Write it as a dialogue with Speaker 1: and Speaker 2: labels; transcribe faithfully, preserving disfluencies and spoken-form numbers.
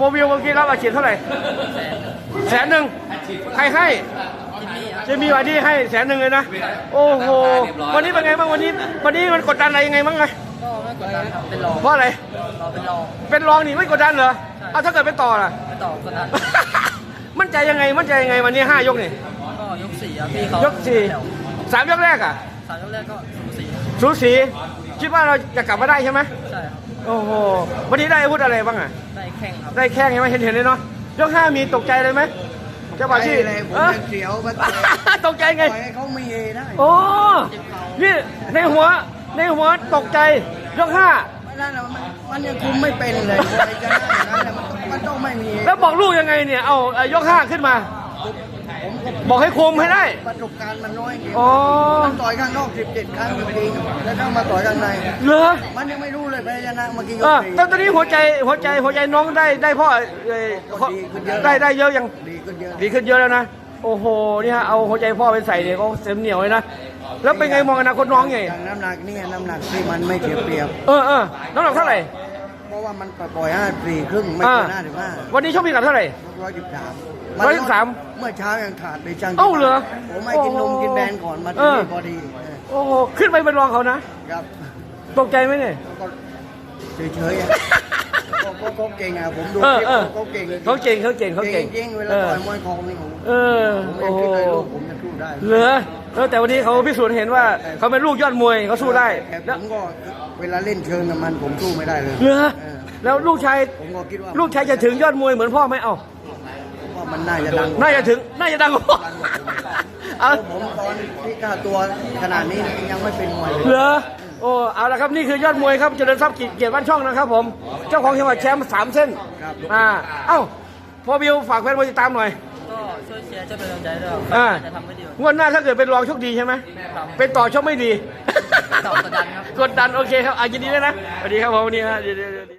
Speaker 1: รวิวเมื่อกี้รับอาชีพเท่าไหร่แสนหนึ่งใครให้จะมีวันที่ให้แสนหนึ่งเลยนะโอ้โหวันนี้เป็นไงบ้างวันนี้วันนี้มันกดดันอะไรยังไงบ้างไง
Speaker 2: ก็ไม่กดดันครับเป็นรอง
Speaker 1: เพราะอะไร
Speaker 2: เราเป็นรอง
Speaker 1: เป็นรองนี่ไม่กดดันเหรอเอาถ้าเกิดเป็นต่อล่ะ
Speaker 2: ไม่ต่อกดดัน
Speaker 1: มั่นใจยังไงมั่นใจยังไงวันนี้ห้ายกนี่
Speaker 2: ก็ยกสี่ครับพี่เขา
Speaker 1: ยกสี่
Speaker 2: แถว
Speaker 1: สามยกแรกอ่ะ
Speaker 2: สามยกแรกก็สูสี
Speaker 1: สูสีคิดว่าเราจะกลับมาได้ใช่ไหม
Speaker 2: ใช่ครับ
Speaker 1: โอ้โหวันนี้ได้อาวุธอะไรบ้างอ่ะ
Speaker 2: ได้แข่งครับ
Speaker 1: ได้แข้งใช่ไหมเห็นเห็นเลยเนาะยกห้ามีตกใจเลยไหมเจ้าบ่าวที่
Speaker 3: เลยผม
Speaker 1: เอ้อ
Speaker 3: ยังเสียวมา
Speaker 1: ตกใจไง
Speaker 3: ปล่อยให้เขามีได้
Speaker 1: โอ้นี่ในหัวในหัวตกใจยกห้า
Speaker 3: ไม่ได้นะมันมันยังคุมไม่เป็นเลยใครจะได้อย่างนั้นน่ะมันต้องมันต้องไม่มี
Speaker 1: แล้วบอกลูกยังไงเนี่ยเอาเอายกห้าขึ้นมา
Speaker 3: ผมก็
Speaker 1: บอกให้คุมให้ได้
Speaker 3: ประสบการณ์มันน้อยไง
Speaker 1: อ๋อ
Speaker 3: มันต่อยข้างนอกสิบเจ็ดครั้งจริงๆแล้วเข้ามาต่อยข้างใน
Speaker 1: เหรอ
Speaker 3: มันยังไม่รู้เลยแพ้ชนะเมื่อกี้ย
Speaker 1: เอก อ
Speaker 3: สี่
Speaker 1: ตอนตอนนี้หัวใจหัวใจหัวใจน้องได้ได้พ่อเอ่อ
Speaker 3: ก็ดีขึ้นเยอะ
Speaker 1: ได้ได้เยอะยัง
Speaker 3: ดีขึ้นเยอะ
Speaker 1: ดีขึ้นเยอะแล้วนะโอ้โหนี่ฮะเอาหัวใจพ่อไปใส่เนี่ยก็เต็มเหนียวเลยนะแล้วเป็นไงมองอนาคตน้องไง
Speaker 3: อย่างน้ำหนักเนี่ยน้ำหนักที่มันไม่เสียเปรียบ
Speaker 1: เออเออน้ำหนักเท่าไหร่
Speaker 3: เพราะว่ามันปล่อยห้าสี่ครึ่งไม่
Speaker 1: อ่า
Speaker 3: เกินห้าสิบห้า
Speaker 1: วันนี้ชกพิกัดเท่าไหร่
Speaker 3: ร้อยสิบสาม
Speaker 1: ร้อยสิบสาม
Speaker 3: เมื่อเช้ายังขาดไปจัง
Speaker 1: เอ้าเหรอ
Speaker 3: ผมไม่กินนมกินแบรนด์ก่อนมา
Speaker 1: เอ
Speaker 3: ที่
Speaker 1: อ
Speaker 3: นี่พอดีเออ
Speaker 1: โอ้โหขึ้นไปเป็นรองเขานะครับ ตกใจไหมเนี่ย
Speaker 3: ก็เฉยๆอ่ะก็ก็เขาเก่งอ่ะผมดู
Speaker 1: เออ
Speaker 3: คลิป
Speaker 1: เออ
Speaker 3: เขาเก่ง
Speaker 1: เขาเก่งเขาเก่งเขาเก่ง
Speaker 3: จริงๆเวลา
Speaker 1: เออ
Speaker 3: ต่อยมวยของนี่ผม
Speaker 1: เออ
Speaker 3: ผม
Speaker 1: โอ้
Speaker 3: ไม่
Speaker 1: โห
Speaker 3: คิดเลยลูกผมจะสู้ได้
Speaker 1: เหลือเออแต่วันนี้เขาพิสูจน์เห็นว่าเขาเป็นลูกยอดมวยเขาสู้ได้
Speaker 3: แต่
Speaker 1: แล้ว
Speaker 3: ผมก็เวลาเล่นเชิงกับมันผมสู้ไม่ได้เลย
Speaker 1: เหลือ
Speaker 3: เออ
Speaker 1: แล้วลูกชาย
Speaker 3: ผมก็คิดว่า
Speaker 1: ลูกชายจะถึงยอดมวยเหมือนพ่อไหมเอ้า
Speaker 3: ว่ามันน่าจะดัง
Speaker 1: น่าจะถึงน่าจะดังกว่าพ่อเอา
Speaker 3: ผมตอนที่ค่าตัวขนาดนี้ยังไม่เป็นมวยเลย
Speaker 1: เหลือโอ้เอาละครับนี่คือยอดมวยครับเจริญทรัพย์เกียรติบ้านช่องนะครับผมเจ้าของจังหวัดแชมป์สามเส้นอ่าเอ้าพอบิวฝากแฟนมวยติดตามหน่อย
Speaker 2: ก็ช่วยเชียร์ช่วยเป็นกำลังใจด้วยครับ
Speaker 1: อ่า
Speaker 2: จะทำให้ดีกว่า
Speaker 1: งวดหน้าถ้าเกิดเป็นรองโชคดีใช่ไหม
Speaker 2: ครับ
Speaker 1: เป็นต่อโชคไม่ดี
Speaker 2: ต่อกดดันครับ
Speaker 1: กดดันโอเคครับอายินดีด้วยนะสวัสดีครับผมวันนี้ฮะ